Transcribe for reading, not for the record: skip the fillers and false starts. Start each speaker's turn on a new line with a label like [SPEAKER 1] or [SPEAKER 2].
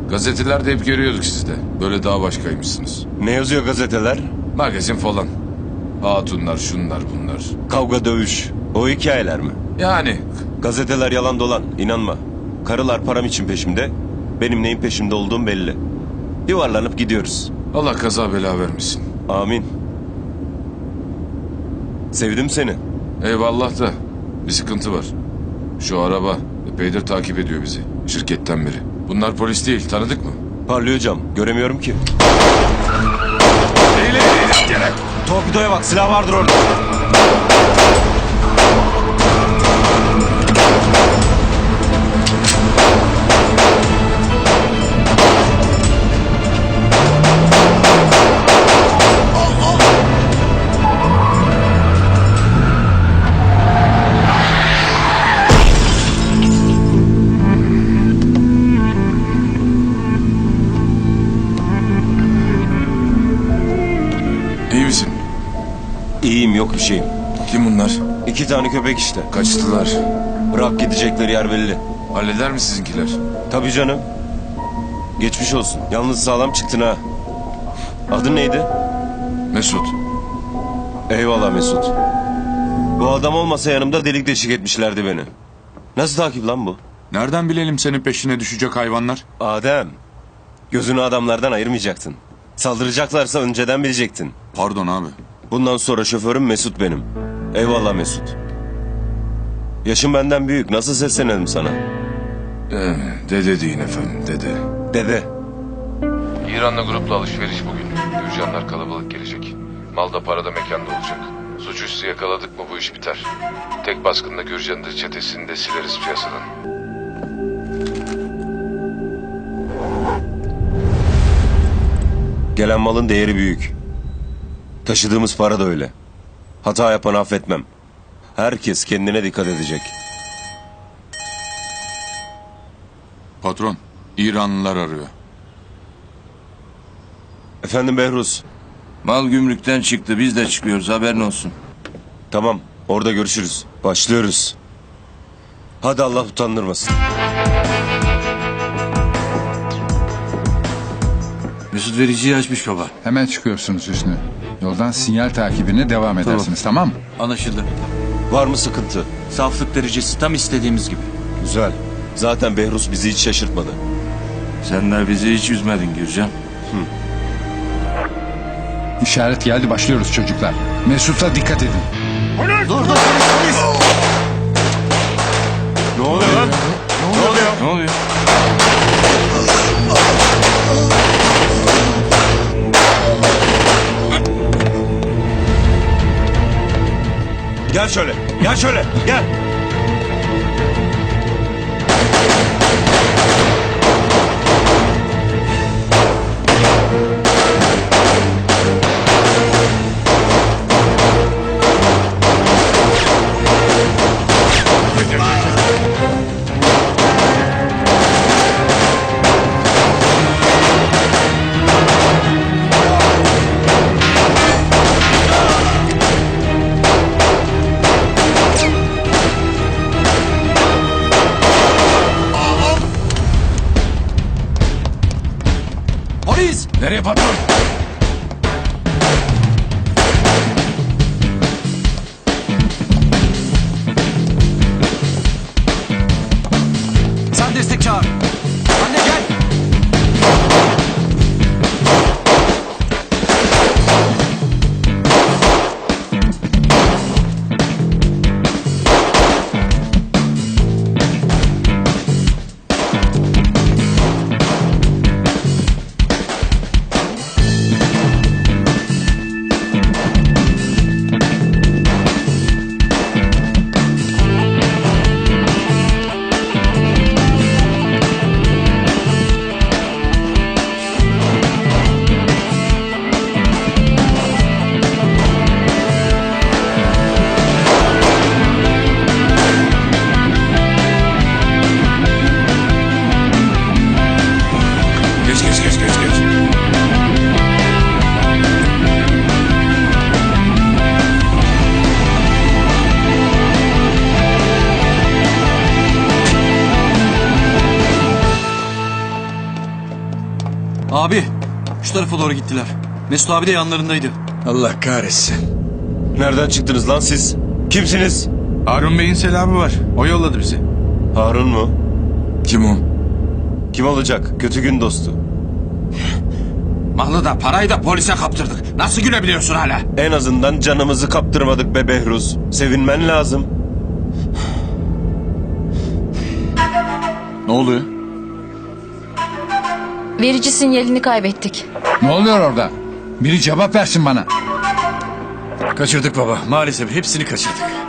[SPEAKER 1] Gazetelerde hep görüyorduk sizi de. Böyle daha başkaymışsınız.
[SPEAKER 2] Ne yazıyor gazeteler?
[SPEAKER 1] Magazin falan. Hatunlar, şunlar bunlar.
[SPEAKER 2] Kavga dövüş. O hikayeler mi?
[SPEAKER 1] Yani
[SPEAKER 2] Gazeteler yalan dolan. İnanma. Karılar param için peşimde. Benim neyin peşimde olduğum belli. Yuvarlanıp gidiyoruz.
[SPEAKER 1] Allah kaza bela vermesin.
[SPEAKER 2] Amin. Sevdim seni.
[SPEAKER 1] Eyvallah da bir sıkıntı var. Şu araba epeydir takip ediyor bizi. Şirketten beri. Bunlar polis değil, tanıdık mı?
[SPEAKER 2] Parlıyor cam. Göremiyorum ki.
[SPEAKER 1] Gene.
[SPEAKER 2] Torpidoya bak. Silah vardır orada.
[SPEAKER 1] İyi misin?
[SPEAKER 2] İyiyim, yok bir şeyim.
[SPEAKER 1] Kim bunlar?
[SPEAKER 2] 2 tane köpek işte.
[SPEAKER 1] Kaçtılar.
[SPEAKER 2] Bırak gidecekleri yer belli.
[SPEAKER 1] Halleder mi sizinkiler?
[SPEAKER 2] Tabii canım. Geçmiş olsun. Yalnız sağlam çıktın ha. Adın neydi?
[SPEAKER 1] Mesut.
[SPEAKER 2] Eyvallah Mesut. Bu adam olmasa yanımda delik deşik etmişlerdi beni. Nasıl takip lan bu?
[SPEAKER 3] Nereden bilelim senin peşine düşecek hayvanlar?
[SPEAKER 2] Adem. Gözünü adamlardan ayırmayacaktın. Saldıracaklarsa önceden bilecektin.
[SPEAKER 3] Pardon abi.
[SPEAKER 2] Bundan sonra şoförüm Mesut benim. Eyvallah Mesut. Yaşın benden büyük. Nasıl seslenelim sana?
[SPEAKER 1] Dede deyin efendim, dede.
[SPEAKER 2] Dede.
[SPEAKER 1] İran'la grupla alışveriş bugün. Gürcanlar kalabalık gelecek. Malda parada mekanda olacak. Suçüstü yakaladık mı bu iş biter. Tek baskında Gürcan'ın da çetesini de sileriz piyasadan.
[SPEAKER 2] Gelen malın değeri büyük. Taşıdığımız para da öyle. Hata yapanı affetmem. Herkes kendine dikkat edecek.
[SPEAKER 3] Patron, İranlılar arıyor.
[SPEAKER 2] Efendim Behruz.
[SPEAKER 4] Mal gümrükten çıktı, biz de çıkıyoruz, haberin olsun.
[SPEAKER 2] Tamam, orada görüşürüz. Başlıyoruz. Hadi Allah utandırmasın.
[SPEAKER 4] Mesut vericiyi açmış baba.
[SPEAKER 5] Hemen çıkıyorsunuz Hüsnü. Yoldan sinyal takibine devam edersiniz, tamam mı?
[SPEAKER 4] Anlaşıldı.
[SPEAKER 2] Var mı sıkıntı?
[SPEAKER 4] Saflık derecesi tam istediğimiz gibi.
[SPEAKER 2] Güzel. Zaten Behruz bizi hiç şaşırtmadı.
[SPEAKER 4] Senler bizi hiç üzmedin Gürcan.
[SPEAKER 5] İşaret geldi, başlıyoruz çocuklar. Mesut'a dikkat edin.
[SPEAKER 2] Ne oluyor lan?
[SPEAKER 4] Ne oluyor?
[SPEAKER 2] Gel şöyle, gel şöyle, gel.
[SPEAKER 1] Nereye patron?
[SPEAKER 4] Sen destek çağır. Anne gel.
[SPEAKER 6] Abi şu tarafa doğru gittiler. Mesut abi de yanlarındaydı.
[SPEAKER 7] Allah kahretsin.
[SPEAKER 2] Nereden çıktınız lan siz? Kimsiniz?
[SPEAKER 3] Harun Bey'in selamı var. O yolladı bizi.
[SPEAKER 2] Harun mu?
[SPEAKER 4] Kim o?
[SPEAKER 2] Kim olacak? Kötü gün dostu.
[SPEAKER 7] Malı da parayı da polise kaptırdık. Nasıl gülebiliyorsun hala?
[SPEAKER 2] En azından canımızı kaptırmadık be Behruz. Sevinmen lazım.
[SPEAKER 3] Ne oluyor?
[SPEAKER 8] Verici sinyalini kaybettik.
[SPEAKER 5] Ne oluyor orada? Biri cevap versin bana.
[SPEAKER 7] Kaçırdık baba. Maalesef hepsini kaçırdık.